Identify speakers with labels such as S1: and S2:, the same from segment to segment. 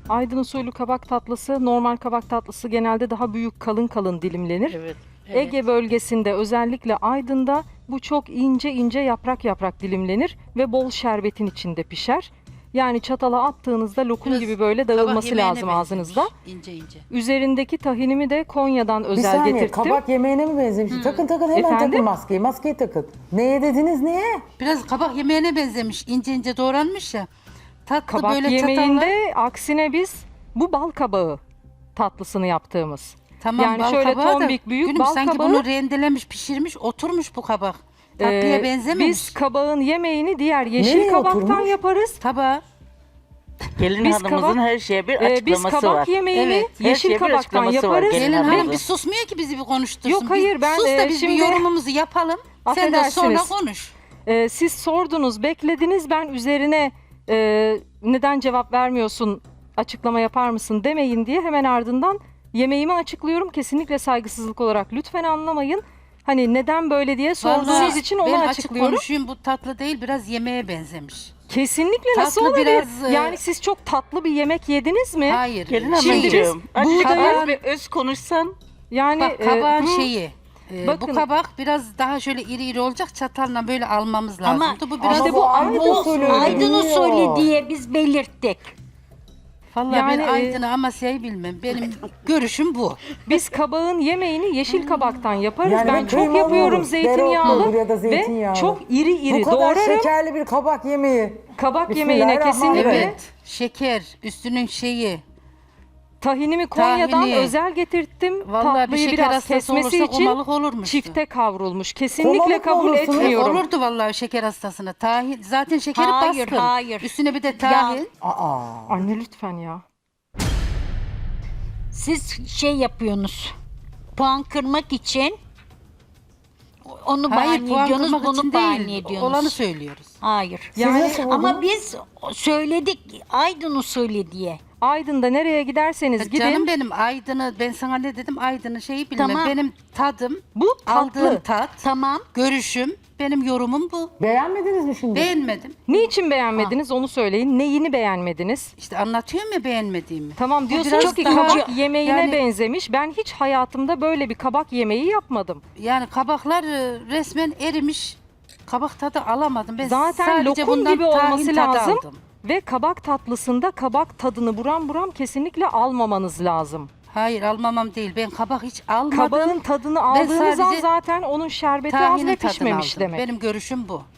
S1: Aydın usulü kabak tatlısı, normal kabak tatlısı genelde daha büyük kalın kalın dilimlenir.
S2: Evet.
S1: Ege bölgesinde özellikle Aydın'da bu çok ince ince yaprak yaprak dilimlenir ve bol şerbetin içinde pişer. Yani çatala attığınızda lokum
S2: Biraz
S1: gibi böyle
S2: kabak
S1: dağılması
S2: yemeğine
S1: lazım ağzınızda.
S2: benzemiş, İnce ince.
S1: Üzerindeki tahinimi de Konya'dan
S3: Bir
S1: özel
S3: saniye
S1: getirttim.
S3: kabak yemeğine mi benzemiş? Takın takın hemen
S1: Efendim?
S3: takın maskeyi. Maskeyi takın. Neye dediniz neye?
S2: Biraz kabak yemeğine benzemiş. İnce ince doğranmış ya. Tatlı
S1: Kabak
S2: böyle
S1: yemeğinde
S2: çatalla.
S1: aksine biz bu bal kabağı tatlısını yaptığımız.
S2: Tamam,
S1: yani
S2: bal
S1: şöyle
S2: kabağı da,
S1: tombik büyük
S2: gülüm,
S1: bal
S2: sanki
S1: kabağı.
S2: bunu rendelemiş, pişirmiş, oturmuş bu kabak. Tatlıya benzememiş.
S1: Biz kabağın yemeğini diğer yeşil
S3: Nereye
S1: kabaktan
S3: oturmuş?
S1: yaparız.
S2: Tabağa.
S4: Gelin
S1: Biz
S4: hanımımızın
S1: kabak-
S4: her şeye bir
S1: Biz
S4: açıklaması
S1: kabak
S4: var.
S1: yemeğini
S2: Evet,
S4: her
S1: yeşil
S4: şeye bir
S1: kabaktan
S4: açıklaması var
S1: yaparız.
S4: gelin
S2: Gelin hanım
S4: hanımımızın.
S2: bir susmuyor ki bizi bir konuştursun.
S1: Yok, hayır, ben,
S2: sus da biz
S1: şimdi-
S2: bir yorumumuzu yapalım. Sen de sonra
S1: Affedersiniz.
S2: konuş.
S1: Siz sordunuz, beklediniz. Ben üzerine neden cevap vermiyorsun, açıklama yapar mısın demeyin diye hemen ardından yemeğimi açıklıyorum. Kesinlikle saygısızlık olarak lütfen anlamayın. Hani neden böyle diye sorduğunuz
S2: Vallahi
S1: için onu
S2: ben açık
S1: açıklıyorum.
S2: konuşayım, bu tatlı değil, biraz yemeğe benzemiş.
S1: Kesinlikle nasıl
S2: Tatlı
S1: olabilir?
S2: biraz,
S1: Yani siz çok tatlı bir yemek yediniz mi?
S2: Hayır.
S4: Gelin
S1: Şimdi
S4: hanımcığım.
S1: biz
S4: Azıcık
S1: buğdayın-
S4: az bir öz konuşsan.
S1: Yani
S2: Bak kabağın
S1: bu-
S2: şeyi.
S1: bakın-
S2: Bu kabak biraz daha şöyle iri iri olacak, çatalla böyle almamız
S5: Ama
S2: lazımdı. Bu biraz
S3: işte bu Aydın usulü
S5: Aydın
S3: bilmiyor.
S5: usulü diye biz belirttik.
S2: Vallahi
S1: Yani,
S2: ben Aydın'ı Amasya'yı bilmem. Benim görüşüm bu.
S1: biz kabağın yemeğini yeşil kabaktan yaparız.
S3: Yani
S1: ben
S3: bir
S1: çok
S3: kıymalı
S1: yapıyorum
S3: olur,
S1: zeytinyağlı
S3: dereotlu ya da
S1: ve
S3: zeytinyağlı.
S1: çok iri iri
S3: Bu kadar
S1: doğrarım.
S3: şekerli bir kabak yemeği.
S1: Kabak yemeğine
S3: Bismillahirrahmanirrahim.
S1: kesinlikle
S2: Evet. Şeker, üstünün şeyi.
S1: tahinimi Konya'dan
S2: Tahini.
S1: özel getirttim.
S2: Vallahi bir
S1: Tatlıyı
S2: şeker
S1: biraz
S2: hastası
S1: kesmesi
S2: olursa
S1: için
S2: komalık olurmuş.
S1: çifte kavrulmuş. Kesinlikle
S3: Komalık mı
S1: kabul
S3: olursunuz?
S1: etmiyorum.
S2: Olurdu vallahi şeker hastasına. Tahin, zaten şekeri
S5: Hayır,
S2: baskın.
S5: hayır.
S2: Üstüne bir de tahin.
S3: Aa.
S1: Anne lütfen ya.
S5: Siz şey yapıyorsunuz. Puan kırmak için onu
S2: Hayır,
S5: bahane
S2: puan
S5: ediyorsunuz,
S2: kırmak için
S5: bunu bahane
S2: değil.
S5: ediyorsunuz.
S2: Olanı söylüyoruz.
S5: Hayır.
S1: Yani
S3: nasıl buldunuz?
S5: Ama biz söyledik Aydın usulü diye.
S1: Aydın'da nereye giderseniz gidin.
S2: Canım benim Aydın'ı, ben sana ne dedim, Aydın'ı şeyi bilmem.
S5: Tamam.
S2: Benim tadım,
S1: Bu
S2: aldığım
S1: tatlı.
S2: tat,
S5: Tamam.
S2: görüşüm, benim yorumum bu.
S3: Beğenmediniz mi şimdi?
S2: Beğenmedim.
S1: Niçin beğenmediniz onu söyleyin. Neyini beğenmediniz?
S2: İşte anlatıyorum ya beğenmediğimi.
S1: Tamam diyorsunuz
S2: biraz
S1: ki
S2: daha-
S1: kabak yemeğine
S2: yani-
S1: benzemiş. Ben hiç hayatımda böyle bir kabak yemeği yapmadım.
S2: Yani kabaklar resmen erimiş. Kabak tadı alamadım. Ben
S1: Zaten
S2: sadece
S1: lokum
S2: bundan
S1: gibi
S2: tahin
S1: olması
S2: tadı
S1: lazım.
S2: aldım.
S1: Ve kabak tatlısında kabak tadını buram buram kesinlikle almamanız lazım.
S2: Hayır, almamam değil. Ben kabak hiç almadım.
S1: Kabağın tadını aldığınız an
S2: sadece
S1: zaten onun şerbeti az
S2: tahinin
S1: ve
S2: tadını
S1: pişmemiş
S2: aldım.
S1: demek.
S2: Benim görüşüm bu.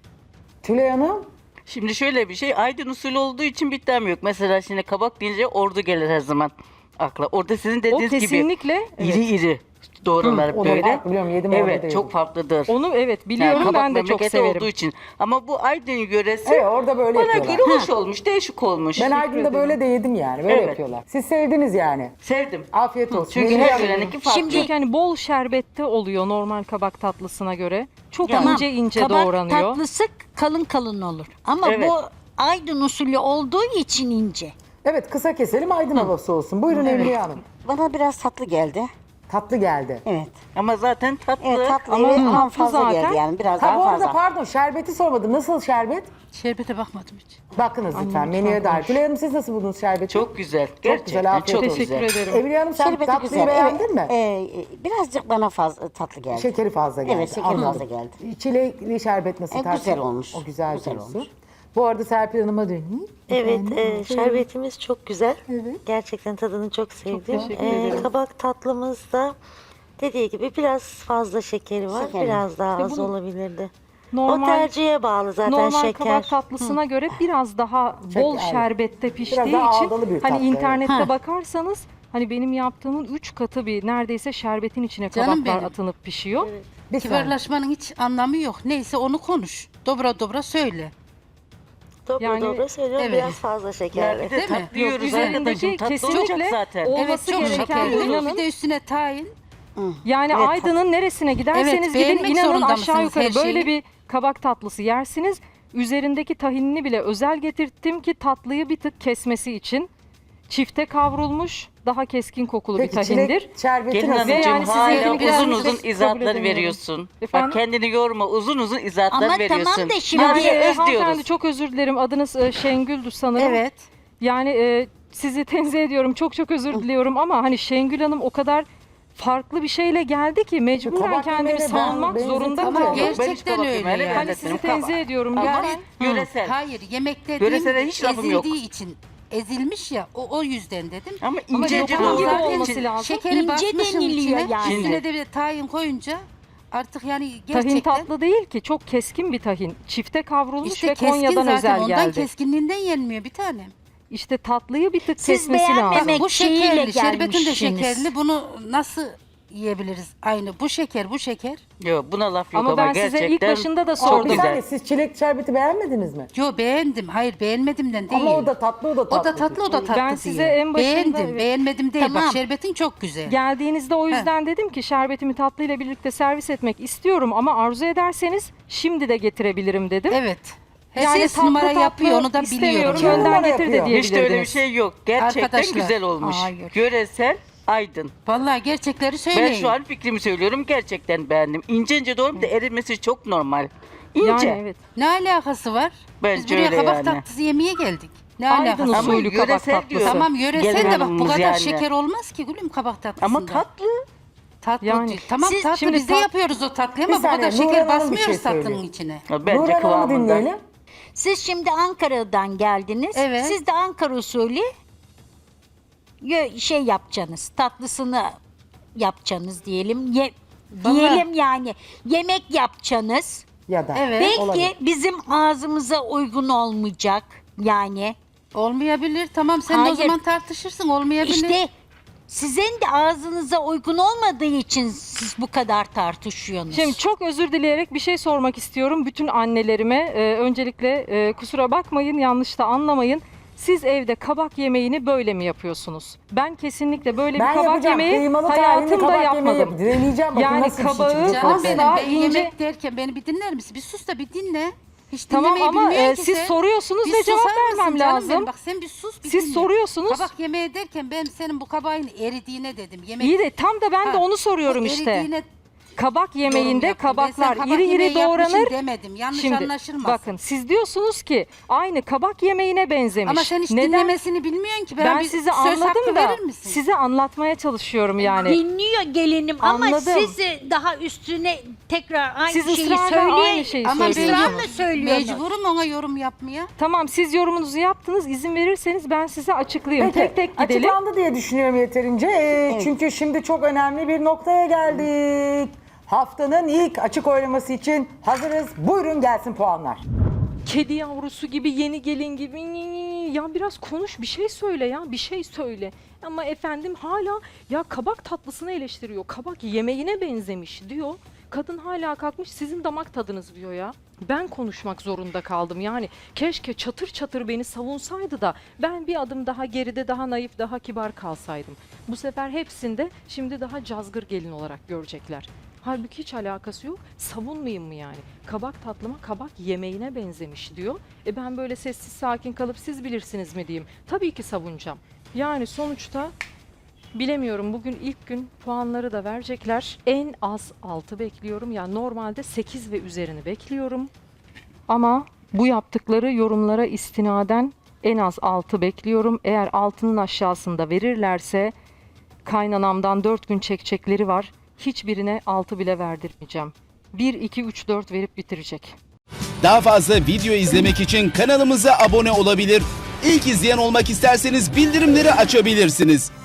S3: Tülay Hanım.
S4: Şimdi şöyle bir şey. Aydın usulü olduğu için bir iddiam yok. Mesela şimdi kabak deyince ordu gelir her zaman akla. Orada sizin
S1: O
S4: dediğiniz gibi
S1: kesinlikle
S4: iri iri doğrular
S3: o da
S4: böyle.
S3: farklı, biliyorum, yedim orada da
S4: Evet,
S3: yedim.
S4: çok farklıdır.
S1: onu evet biliyorum
S4: Yani kabak
S1: ben de çok
S4: memleketi
S1: severim.
S4: olduğu için. Ama bu Aydın yöresi
S3: Evet, orada böyle
S4: bana
S3: yapıyorlar.
S4: göre hoş olmuş, değişik olmuş.
S3: Ben Aydın'da böyle de yedim yani. Böyle
S4: Evet.
S3: yapıyorlar. Siz sevdiniz yani.
S4: Sevdim.
S3: Afiyet olsun.
S4: Çünkü
S3: Melih
S4: her
S3: Hanım.
S4: yöreninki farklı.
S1: Çünkü hani bol şerbette oluyor normal kabak tatlısına göre. Çok
S5: Tamam.
S1: ince ince
S5: Kabak
S1: doğranıyor.
S5: tatlısı kalın kalın olur. Ama
S4: Evet.
S5: bu Aydın usulü olduğu için ince.
S3: Evet, kısa keselim, Aydın havası olsun. Buyurun Emriye Hanım.
S6: Bana biraz tatlı geldi.
S3: Tatlı geldi.
S6: Evet.
S4: Ama zaten tatlı.
S6: Evet tatlı
S1: Ama
S6: evet,
S1: tatlı
S6: ama fazla
S1: zaten.
S6: geldi yani biraz
S3: Ha
S6: daha
S3: bu arada
S6: fazla.
S3: pardon, şerbeti sormadım. Nasıl şerbet?
S2: Şerbete bakmadım hiç.
S3: Bakınız lütfen menüye dair. Tülay Hanım siz nasıl buldunuz şerbeti?
S4: Çok güzel.
S3: güzel,
S4: Gerçekten
S3: afiyet
S4: çok
S3: olsun.
S4: güzel.
S1: Teşekkür ederim.
S3: Emriye Hanım sen
S6: Şerbeti
S3: tatlıyı
S6: güzel.
S3: beğendin mi?
S6: Birazcık bana fazla tatlı geldi.
S3: Şekeri fazla geldi.
S6: Evet, şekeri
S3: anladım.
S6: fazla geldi.
S3: Çilekli şerbet nasıl
S6: güzel
S3: tartışılır?
S6: olmuş.
S3: O güzel,
S6: Güzel
S3: diyorsun.
S6: olmuş.
S3: Bu arada Serpil Hanım'a döneyim.
S7: Evet, şerbetimiz çok güzel. Gerçekten tadını çok sevdim.
S1: teşekkür ederim.
S7: Kabak tatlımızda dediği gibi biraz fazla şekeri var.
S6: Şekeri.
S7: Biraz daha
S1: İşte
S7: az
S1: bunu
S7: olabilirdi. O
S1: Normal
S7: tercihe bağlı zaten
S1: normal
S7: şeker.
S1: kabak tatlısına göre biraz daha bol
S3: evet.
S1: şerbette piştiği
S3: daha
S1: için
S3: ağdalı bir
S1: hani
S3: tatlı,
S1: internette
S5: evet.
S1: bakarsanız hani benim yaptığımın 3 katı bir neredeyse şerbetin içine
S2: Canım
S1: kabaklar
S2: benim.
S1: atılıp pişiyor.
S3: Bir saniye.
S2: Kibarlaşmanın hiç anlamı yok. Neyse onu konuş. Dobra dobra söyle.
S7: Dobra
S1: Yani-
S7: dobra söylüyorum
S2: Evet.
S7: biraz fazla
S4: Ya
S7: şekerli.
S4: bir de
S2: Değil mi?
S4: tatlı yiyoruz
S1: üzerindeki
S4: arkadaşım. Tatlı
S1: kesinlikle
S4: olacak zaten.
S1: o-
S2: Evet,
S1: Olması
S2: çok
S1: gereken
S2: şekerli.
S1: inanın-
S2: Bir de üstüne tahin.
S1: Yani
S6: Evet,
S1: Aydın'ın neresine giderseniz
S2: Evet,
S1: gidin
S2: beğenmek
S1: inanın
S2: zorunda
S1: aşağı
S2: mısınız
S1: yukarı
S2: her
S1: böyle
S2: şeyi?
S1: bir kabak tatlısı yersiniz. Üzerindeki tahinini bile özel getirttim ki tatlıyı bir tık kesmesi için. Çifte kavrulmuş, daha keskin kokulu bir
S3: Peki
S1: tahindir.
S3: çilek şerbeti
S4: Gelin
S3: nasıl?
S1: Ve
S4: hanımcığım
S1: yani
S4: hala
S1: sizinkini biraz
S4: uzun
S1: biz
S4: uzun
S1: kabul
S4: izahatlar
S1: edemiyorum.
S4: veriyorsun.
S1: Efendim?
S4: Bak kendini yorma, uzun uzun izahatlar
S5: Ama
S4: veriyorsun.
S5: tamam da şimdi-
S4: Yani
S1: Yani
S4: öz
S1: hanımefendi
S4: diyoruz.
S1: çok özür dilerim. Adınız Şengül'dü sanırım.
S2: Evet.
S1: Yani sizi tenzih ediyorum. Çok çok özür diliyorum ama hani Şengül Hanım o kadar farklı bir şeyle geldi ki mecburen
S3: Kabak
S1: kendimi
S3: yemeğine
S1: savunmak
S3: ben
S1: zorunda
S3: benzetemem.
S1: kaldım.
S2: Gerçekten
S4: Ben hiç kabak
S2: öyle
S4: yemeğine
S2: yani.
S1: Hani sizi
S4: benzetmiyorum.
S1: tenzih ediyorum.
S2: Ama
S1: Lütfen.
S4: Yöresel.
S2: Hayır, yemek
S4: Yöresele
S2: dediğim
S4: hiç lafım yok.
S2: ezildiği için ezilmiş ya o yüzden dedim.
S4: Ama
S1: Ama
S4: ince
S1: lokum
S4: olması
S1: gibi
S2: zaten
S1: olması lazım.
S2: Şekeri
S5: İnce
S2: basmışım
S5: deniliyor
S2: içine.
S5: yani.
S2: Üstüne de bir de tahin koyunca artık yani gerçekten
S1: Tahin tatlı değil ki. Çok keskin bir tahin. Çifte kavrulmuş
S2: işte
S1: ve
S2: keskin
S1: Konya'dan
S2: zaten
S1: özel
S2: ondan
S1: geldi.
S2: keskinliğinden yenmiyor bir tanem.
S1: İşte tatlıyı bir tık
S5: Siz
S1: kesmesi
S5: beğenmemek-
S1: lazım.
S2: Bu
S5: şeyiyle
S2: şekerli, şerbetin de
S5: gelmişsiniz.
S2: şekerli. Bunu nasıl yiyebiliriz? Aynı bu şeker.
S4: Yok buna laf yok
S1: Ama ben
S4: gerçekten.
S1: size ilk başında da
S4: çok
S3: Ama bir
S1: sordum.
S3: saniye,
S4: güzel.
S3: siz çilek şerbeti beğenmediniz mi?
S2: Yo beğendim. Hayır beğenmedimden değil.
S3: Ama o da tatlı, o da tatlı.
S2: O da tatlı, o da tatlı
S1: Ben
S2: değil.
S1: size en başında-
S2: Beğendim,
S1: evet.
S2: beğenmedim değil.
S5: Tamam.
S2: Bak şerbetin çok güzel.
S1: Geldiğinizde o yüzden dedim ki şerbetimi tatlıyla birlikte servis etmek istiyorum ama arzu ederseniz şimdi de getirebilirim dedim.
S2: Evet.
S1: Yani
S2: Herkes
S1: tatlı
S2: numara
S1: tatlı
S2: yapıyor, onu da
S1: istemiyorum,
S2: biliyorum.
S3: Kim numara
S1: önden getir de
S3: yapıyor?
S1: diyebilirdiniz.
S4: Hiç de öyle bir şey yok. Gerçekten
S2: Arkadaşlar.
S4: güzel olmuş.
S5: Hayır.
S4: Yöresel, aydın.
S2: Vallahi gerçekleri söyleyin.
S4: Ben şu an fikrimi söylüyorum. Gerçekten beğendim. İnce ince doğru da erimesi çok normal. İnce.
S1: Yani evet.
S2: Ne alakası var?
S4: Bence
S2: Biz buraya
S4: öyle
S2: kabak
S4: yani.
S2: tatlısı yemeye geldik. Ne
S1: Aydın
S2: alakası var?
S4: Ama
S1: usulü kabak
S4: yöresel
S1: tatlısı.
S4: diyor.
S2: Tamam yöresel
S4: Gelin
S2: de bak bu
S4: hanımımız
S2: kadar
S4: yani.
S2: şeker olmaz ki gülüm kabak tatlısında.
S4: Ama tatlı.
S2: Tatlı
S1: Yani.
S2: değil. Tamam
S5: Siz
S2: tatlı
S1: şimdi
S2: biz de
S1: tat-
S2: yapıyoruz o tatlıyı
S3: Bir
S2: ama bu kadar
S3: saniye,
S2: şeker
S3: Nurhan Hanım bir
S2: basmıyoruz
S3: şey söylüyor.
S2: tatlının içine.
S4: Bence
S3: Nurhan Hanım'ı
S4: kıvamında.
S3: dinleyelim.
S5: Siz şimdi Ankara'dan geldiniz.
S2: Evet.
S5: Siz de Ankara usulü şey yapacaksınız. Tatlısını yapacaksınız diyelim.
S2: Vallahi-
S5: Diyelim yani yemek yapacaksınız.
S3: Ya da.
S2: Evet.
S5: Belki
S3: olabilir.
S5: bizim ağzımıza uygun olmayacak. Yani
S2: Olmayabilir. Tamam sen de o
S5: Hayır.
S2: zaman tartışırsın. Olmayabilir.
S5: işte sizin de ağzınıza uygun olmadığı için siz bu kadar tartışıyorsunuz.
S1: Şimdi çok özür dileyerek bir şey sormak istiyorum bütün annelerime. Öncelikle kusura bakmayın, yanlış da anlamayın. Siz evde kabak yemeğini böyle mi yapıyorsunuz? Ben kesinlikle böyle
S3: Ben
S1: bir kabak
S3: yapacağım.
S1: yemeği
S3: Kıymalı tahinli
S1: hayatımda
S3: kabak yemeği
S1: yapmadım.
S3: yapacağım. Deneyeceğim bakın
S1: Yani
S3: nasıl bir şey
S1: kabağı-
S3: çıkacak.
S2: Canım
S1: Asla
S2: benim ben
S1: ince-
S2: yemek derken beni bir dinler misin? Bir sus da bir dinle. Hiç
S1: Tamam
S2: dinlemeyi
S1: ama
S2: bilmiyor ki
S1: siz
S2: sen.
S1: soruyorsunuz
S2: Bir
S1: ve cevap
S2: susar mısın
S1: vermem
S2: canım
S1: lazım.
S2: benim? Bak sen bir sus bir
S1: Siz
S2: dinle.
S1: soruyorsunuz.
S2: Kabak yemeği derken ben senin bu kabağın eridiğine dedim. Yemek
S1: İyi de tam da ben de
S2: Ha,
S1: onu soruyorum
S2: o
S1: işte.
S2: eridiğine
S1: Kabak
S2: yorum
S1: yemeğinde
S2: yaptım. Ben
S1: kabaklar
S2: sen kabak
S1: iri
S2: yemeği
S1: iri
S2: yapmışsın
S1: doğranır.
S2: demedim. Yanlış
S1: Şimdi
S2: anlaşılmasın.
S1: bakın siz diyorsunuz ki aynı kabak yemeğine benzemiş.
S2: Ama sen hiç
S1: Neden?
S2: dinlemesini bilmiyorsun ki.
S1: Ben
S2: bir
S1: size
S2: söz hakkı
S1: anladım da
S2: verir misin?
S1: size anlatmaya çalışıyorum yani.
S5: dinliyor gelinim ama
S1: Anladım.
S5: siz daha üstüne tekrar aynı
S1: Siz
S5: şeyi
S1: ısrarla
S5: söyleyin.
S1: aynı şeyi
S2: Ama ben
S1: söylüyorsunuz.
S5: ısrarla söylüyorsunuz.
S2: mecburum ona yorum yapmaya.
S1: Tamam siz yorumunuzu yaptınız. İzin verirseniz ben size açıklayayım.
S3: Peki,
S1: Tek tek gidelim.
S3: açıklandı diye düşünüyorum yeterince. Çünkü şimdi çok önemli bir noktaya geldik. Haftanın ilk açık oylaması için hazırız. Buyurun gelsin puanlar.
S1: Kedi yavrusu gibi, yeni gelin gibi. Ya biraz konuş, bir şey söyle ya, bir şey söyle. Ama efendim hala ya kabak tatlısını eleştiriyor. Kabak yemeğine benzemiş diyor. Kadın hala kalkmış sizin damak tadınız diyor ya. Ben konuşmak zorunda kaldım. Yani keşke çatır çatır beni savunsaydı da ben bir adım daha geride, daha naif, daha kibar kalsaydım. Bu sefer hepsinde şimdi daha cazgır gelin olarak görecekler. Halbuki hiç alakası yok. Savunmayayım mı yani? Kabak tatlıma kabak yemeğine benzemiş diyor. Ben böyle sessiz sakin kalıp siz bilirsiniz mi diyeyim. Tabii ki savunacağım. Yani sonuçta bilemiyorum, bugün ilk gün puanları da verecekler. En az 6 bekliyorum. Yani normalde 8 ve üzerini bekliyorum. Ama bu yaptıkları yorumlara istinaden en az 6 bekliyorum. Eğer 6'nın aşağısında verirlerse kaynanamdan 4 gün çekecekleri var. Hiçbirine 6 bile verdirmeyeceğim. 1, 2, 3, 4 verip bitirecek.
S8: Daha fazla video izlemek için kanalımıza abone olabilir. İlk izleyen olmak isterseniz bildirimleri açabilirsiniz.